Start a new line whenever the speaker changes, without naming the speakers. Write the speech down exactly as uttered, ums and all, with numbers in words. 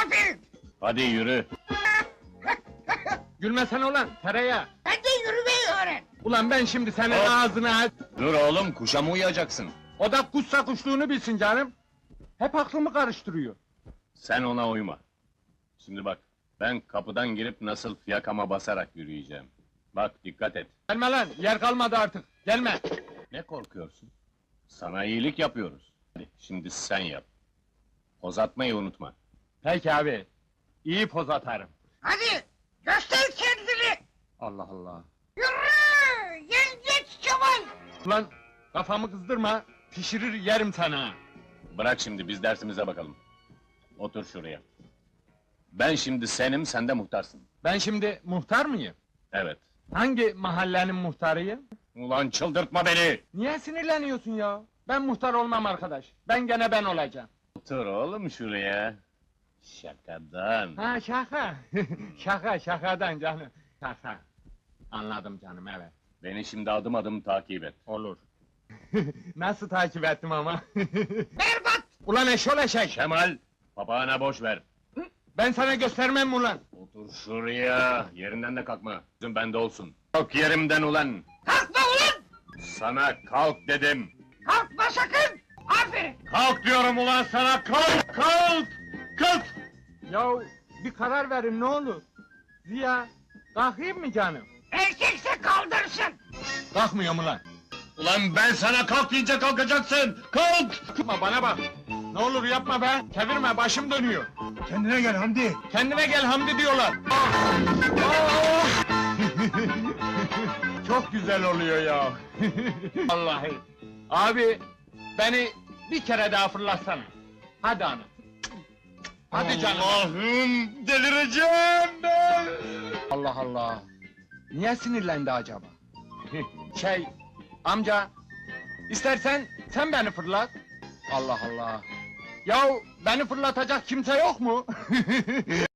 Aferin!
Hadi yürü.
Gülmesene ulan, tereyağı!
Sen de yürümeyi öğren!
Ulan ben şimdi senin
Hop!
ağzına...
Dur oğlum, kuşa mı uyuyacaksın?
O da kuşsa kuşluğunu bilsin canım! Hep aklımı karıştırıyor.
Sen ona uyma. Şimdi bak, ben kapıdan girip nasıl fiyakama basarak yürüyeceğim. Bak, dikkat et.
Gelme lan, yer kalmadı artık, gelme!
Ne korkuyorsun? Sana iyilik yapıyoruz. Hadi, şimdi sen yap. Poz atmayı unutma.
Peki abi, iyi poz atarım.
Hadi! Göster kendini!
Allah Allah!
Yürü! Yengeç Kemal!
Ulan, kafamı kızdırma, pişirir yerim sana!
Bırak şimdi, biz dersimize bakalım. Otur şuraya. Ben şimdi senim, sen de muhtarsın.
Ben şimdi muhtar mıyım?
Evet.
Hangi mahallenin muhtarıyım?
Ulan çıldırtma beni!
Niye sinirleniyorsun ya? Ben muhtar olmam arkadaş, ben gene ben olacağım.
Otur oğlum şuraya. Şakadan.
Ha şaka, şaka şakadan canım, şaka. Anladım canım, evet.
Beni şimdi adım adım takip et.
Olur. Nasıl takip ettim ama?
Berbat!
Ulan eşol eşek!
Kemal, papağana boş ver.
Ben sana göstermem ulan!
Otur şuraya, yerinden de kalkma. Gözün bende olsun. Kalk yerimden ulan!
Kalkma ulan!
Sana kalk dedim!
Kalkma sakın! Aferin!
Kalk diyorum ulan sana, kalk, kalk! Kalk!
Yahu bir karar verin ne olur? Ziya, kalkayım mı canım?
Erkekse kaldırsın!
Kalkmıyorum ulan!
Ulan ben sana kalk deyince kalkacaksın! Kalk!
Yapma bana bak! Ne olur yapma be! Çevirme, başım dönüyor!
Kendine gel Hamdi.
Kendine gel Hamdi diyorlar! Ah! Ah! Çok güzel oluyor ya! Vallahi! Abi, beni bir kere daha fırlatsana! Hadi ana! Hadi canım!
Allah'ım, delireceğim ben!
Allah Allah! Niye sinirlendi acaba? şey, amca, istersen sen beni fırlat! Allah Allah! Yahu beni fırlatacak kimse yok mu?